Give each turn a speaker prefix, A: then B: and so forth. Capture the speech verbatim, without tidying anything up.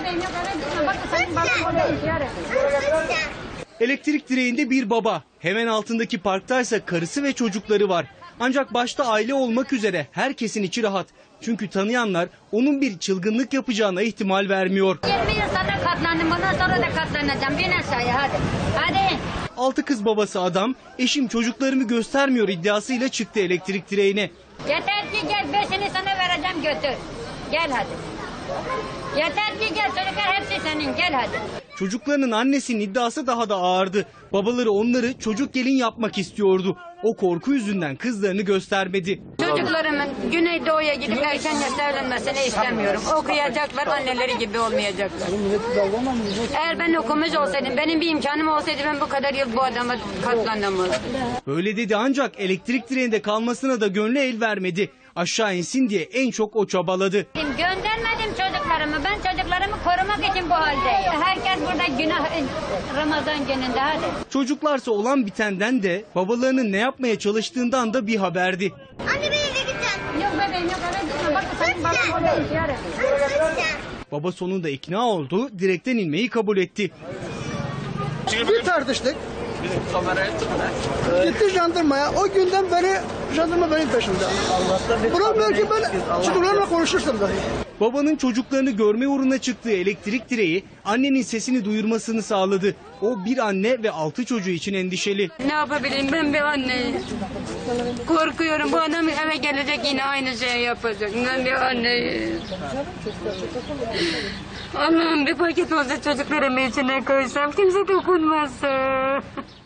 A: Elektrik direğinde bir baba, hemen altındaki parktaysa karısı ve çocukları var. Ancak başta aile olmak üzere herkesin içi rahat. Çünkü tanıyanlar onun bir çılgınlık yapacağına ihtimal vermiyor.
B: yirmi yıl sana katlandım, bundan sonra da katlanacağım. Bin aşağıya hadi. Hadi.
A: Altı kız babası adam, eşim çocuklarımı göstermiyor iddiasıyla çıktı elektrik direğine.
B: Yeter ki gel, beşini sana vereceğim, götür. Gel hadi. Yeter ki gel, çocuklar hepsi senin, gel hadi.
A: Çocuklarının annesinin iddiası daha da ağırdı. Babaları onları çocuk gelin yapmak istiyordu. O korku yüzünden kızlarını göstermedi.
B: Çocuklarımın Güneydoğu'ya gidip erken yaşta evlenmesini istemiyorum. Okuyacaklar, anneleri gibi olmayacaklar. Eğer ben okumuş olsaydım, benim bir imkanım olsaydı ben bu kadar yıl bu adama katlanamazdım.
A: Böyle dedi ancak elektrik direğinde kalmasına da gönlü el vermedi. Aşağı insin diye en çok o çabaladı.
B: Göndermedim çocuklarımı. Ben çocuklarımı korumak için bu haldeyim. Herkes burada günah Ramazan gününde hadi.
A: Çocuklarsa olan bitenden de babalarının ne yapmaya çalıştığından da bir haberdi.
C: Anne ben eve gideceğim.
B: Yok bebeğim yok eve gitme. Bak senin babam orada ihtiyar ediyor.
A: Baba sonunda ikna oldu, direkten inmeyi kabul etti.
D: Bir tartıştık. Gitti jandarmaya. O günden beri jandarma benim peşimde. Bırakmıyor ki ben çocuklarla konuşursam dahi.
A: Babanın çocuklarını görme uğruna çıktığı elektrik direği annenin sesini duyurmasını sağladı. O bir anne ve altı çocuğu için endişeli.
B: Ne yapabilirim, ben bir anneyim. Korkuyorum, bu adam eve gelecek yine aynı şeyi yapacak. Ben bir anneyim. Allah'ım bir paket olsa çocuklarımı içine koysam kimse dokunmazsa.